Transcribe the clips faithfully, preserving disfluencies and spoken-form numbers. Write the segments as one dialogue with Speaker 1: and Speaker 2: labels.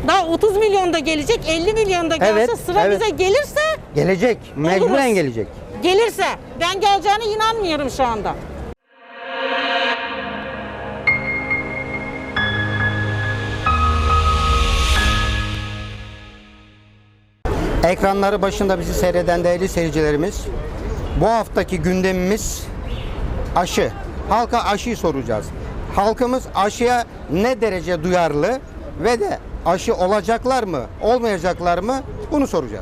Speaker 1: Daha otuz milyon da gelecek, elli milyon da gelse
Speaker 2: Evet,
Speaker 1: sıra
Speaker 2: evet.
Speaker 1: bize gelirse
Speaker 2: Gelecek. Mecburen
Speaker 1: oluruz.
Speaker 2: gelecek.
Speaker 1: Gelirse. Ben geleceğine inanmıyorum şu anda.
Speaker 2: Ekranları başında bizi seyreden değerli seyircilerimiz, bu haftaki gündemimiz aşı. Halka aşıyı soracağız. Halkımız aşıya ne derece duyarlı ve de aşı olacaklar mı, olmayacaklar mı bunu soracağız.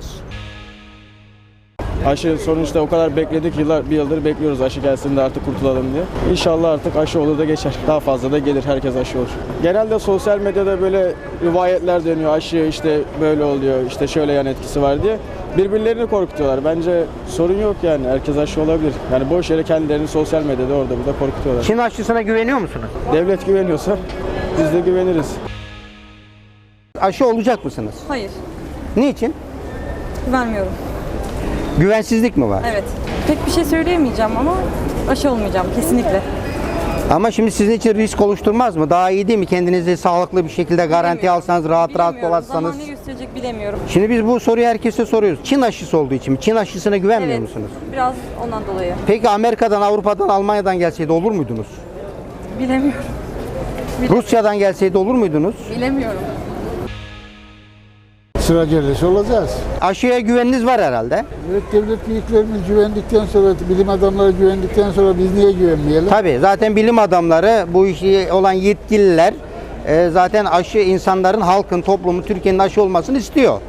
Speaker 3: Aşı sonuçta o kadar bekledik, yıllar, bir yıldır bekliyoruz aşı gelsin de artık kurtulalım diye. İnşallah artık aşı olur da geçer. Daha fazla da gelir, herkes aşı olur. Genelde sosyal medyada böyle rivayetler dönüyor. Aşı işte böyle oluyor, işte şöyle yan etkisi var diye. Birbirlerini korkutuyorlar. Bence sorun yok yani. Herkes aşı olabilir. Yani boş yere kendilerini sosyal medyada orada burada korkutuyorlar.
Speaker 2: Çin aşısına güveniyor musunuz?
Speaker 3: Devlet güveniyorsa biz de güveniriz.
Speaker 2: Aşı olacak mısınız?
Speaker 4: Hayır,
Speaker 2: Niçin?
Speaker 4: vermiyorum.
Speaker 2: Güvensizlik mi var?
Speaker 4: Evet. Pek bir şey söyleyemeyeceğim ama aşı olmayacağım kesinlikle.
Speaker 2: Ama şimdi sizin için risk oluşturmaz mı? Daha iyi değil mi? Kendinizi sağlıklı bir şekilde garanti
Speaker 4: Bilemiyorum.
Speaker 2: alsanız, rahat rahat
Speaker 4: Bilemiyorum.
Speaker 2: dolaşsanız.
Speaker 4: Zaman ne gösterecek bilemiyorum.
Speaker 2: Şimdi biz bu soruyu herkese soruyoruz. Çin aşısı olduğu için mi? Çin aşısına güvenmiyor
Speaker 4: Evet,
Speaker 2: musunuz?
Speaker 4: biraz ondan dolayı.
Speaker 2: Peki Amerika'dan, Avrupa'dan, Almanya'dan gelseydi olur muydunuz?
Speaker 4: Bilemiyorum.
Speaker 2: Rusya'dan gelseydi olur muydunuz?
Speaker 4: Bilemiyorum.
Speaker 5: Sıra gelirse olacağız.
Speaker 2: Aşıya güveniniz var herhalde.
Speaker 5: Evet, devlet büyüklerimiz güvendikten sonra, bilim adamları güvendikten sonra biz niye güvenmeyelim?
Speaker 2: Tabii zaten bilim adamları, bu işi olan yetkililer e, zaten aşı insanların, halkın, toplumun, Türkiye'nin aşı olmasını istiyor.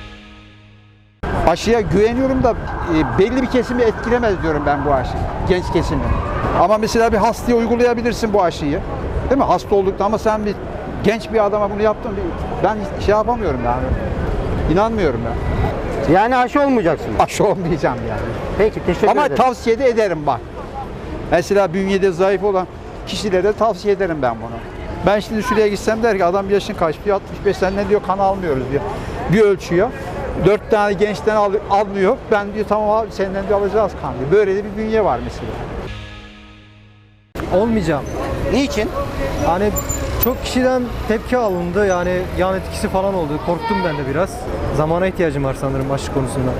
Speaker 6: Aşıya güveniyorum da e, belli bir kesimi etkilemez diyorum ben bu aşıyı. Genç kesimi. Ama mesela bir hastaya uygulayabilirsin bu aşıyı. Değil mi? Hasta oldukta ama sen bir genç bir adama bunu yaptın. Ben şey yapamıyorum yani. İnanmıyorum ben.
Speaker 2: Yani aşı olmayacaksınız.
Speaker 6: Aşı olmayacağım yani.
Speaker 2: Peki teşekkür
Speaker 6: Ama
Speaker 2: ederim.
Speaker 6: tavsiye de ederim bak. Mesela bünyede zayıf olan kişilere tavsiye ederim ben bunu. Ben şimdi şuraya gitsem der ki adam yaşın kaç diyor, altmış beş, senden diyor kan almıyoruz diyor. Bir ölçüyor. Dört tane gençten al, almıyor. Ben diyor tamam abi senden diyor alacağız kan diyor. Böyle de bir bünye var mesela.
Speaker 7: Olmayacağım.
Speaker 2: Niçin?
Speaker 7: Hani çok kişiden tepki alındı, yani yan etkisi falan oldu. Korktum ben de biraz. Zamana ihtiyacım var sanırım aşı konusunda.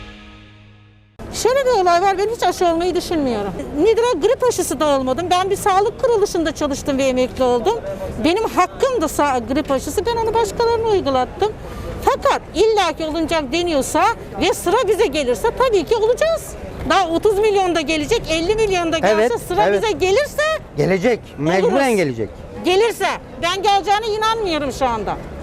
Speaker 1: Şöyle bir olay var, ben hiç aşı olmayı düşünmüyorum. Nedir o? Grip aşısı da olmadım. Ben bir sağlık kuruluşunda çalıştım ve emekli oldum. Benim hakkım da sağ, grip aşısı, ben onu başkalarına uygulattım. Fakat illaki olunacak deniyorsa ve sıra bize gelirse tabii ki olacağız. Daha otuz milyon da gelecek, elli milyon da gelse
Speaker 2: Evet,
Speaker 1: sıra
Speaker 2: evet.
Speaker 1: bize gelirse
Speaker 2: Gelecek. Mecburen
Speaker 1: oluruz.
Speaker 2: gelecek.
Speaker 1: Gelirse. Ben geleceğine inanmıyorum şu anda.